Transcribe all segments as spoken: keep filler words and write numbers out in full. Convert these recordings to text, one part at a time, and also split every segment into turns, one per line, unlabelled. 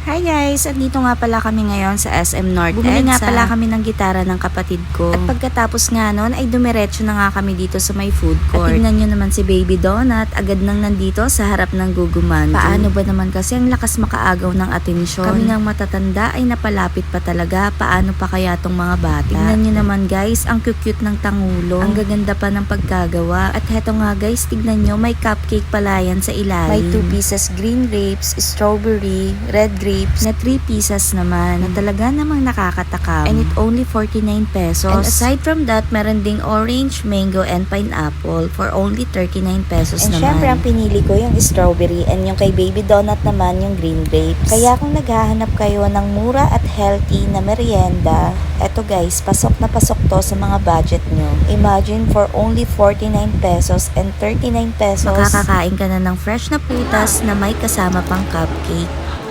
Hi guys! Andito nga pala kami ngayon sa S M North
Bumili
Bumili nga
nga
pala kami ng gitara ng kapatid ko. At pagkatapos nga nun ay dumiretso na nga kami dito sa may food court. At tignan nyo naman si Baby Donut, agad nang nandito sa harap ng Gugumandu. Paano ba naman kasi ang lakas makaagaw ng atensyon? Kami ngang matatanda ay napalapit pa talaga. Paano pa kaya tong mga bata? Tignan nyo naman guys, ang cute ng tangulo. Ang gaganda pa ng pagkagawa. At heto nga guys, tignan nyo, may cupcake pala yan sa ilalim. May two pieces green grapes, strawberry, red grapes, na three pieces naman na talaga namang nakakatakam. And it only forty-nine pesos. And aside from that, meron ding orange, mango, and pineapple for only thirty-nine pesos
And
naman.
syempre, ang pinili ko yung strawberry and yung kay Baby Donut naman yung green grapes. Kaya kung naghahanap kayo ng mura at healthy na merienda, eto guys, pasok na pasok to sa mga budget nyo. Imagine for only forty-nine pesos and thirty-nine pesos.
Makakakain ka na ng fresh na putas na may kasama pang cupcake.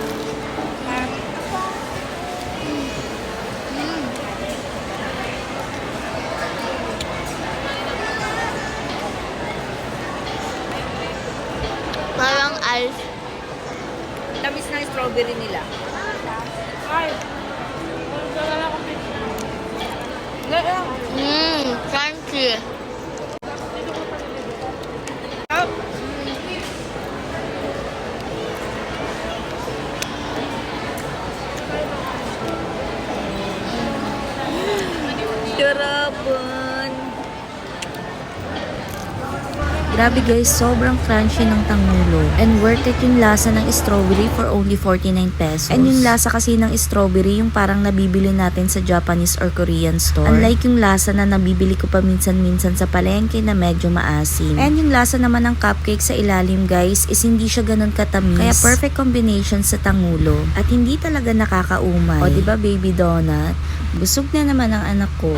Parang ice.
Tamis na strawberry nila.
Mmm, crunchy.
Sarapon!
Grabe guys, sobrang crunchy ng tangulo. And worth it yung lasa ng strawberry for only forty-nine pesos. And yung lasa kasi ng strawberry, yung parang nabibili natin sa Japanese or Korean store. Unlike yung lasa na nabibili ko pa minsan-minsan sa palengke na medyo maasim. And yung lasa naman ng cupcake sa ilalim guys, is hindi siya ganun katamis. Kaya perfect combination sa tangulo. At hindi talaga nakakaumay. O diba Baby Donut? Busog na naman ang anak ko.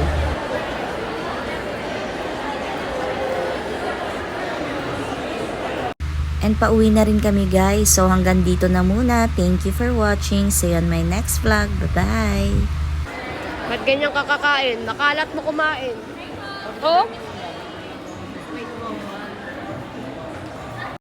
And pauwi na rin kami guys. So hanggang dito na muna. Thank you for watching. See you on my next vlog. Bye-bye!
Ba't ganyan kakakain? Nakalat mo kumain. Oh?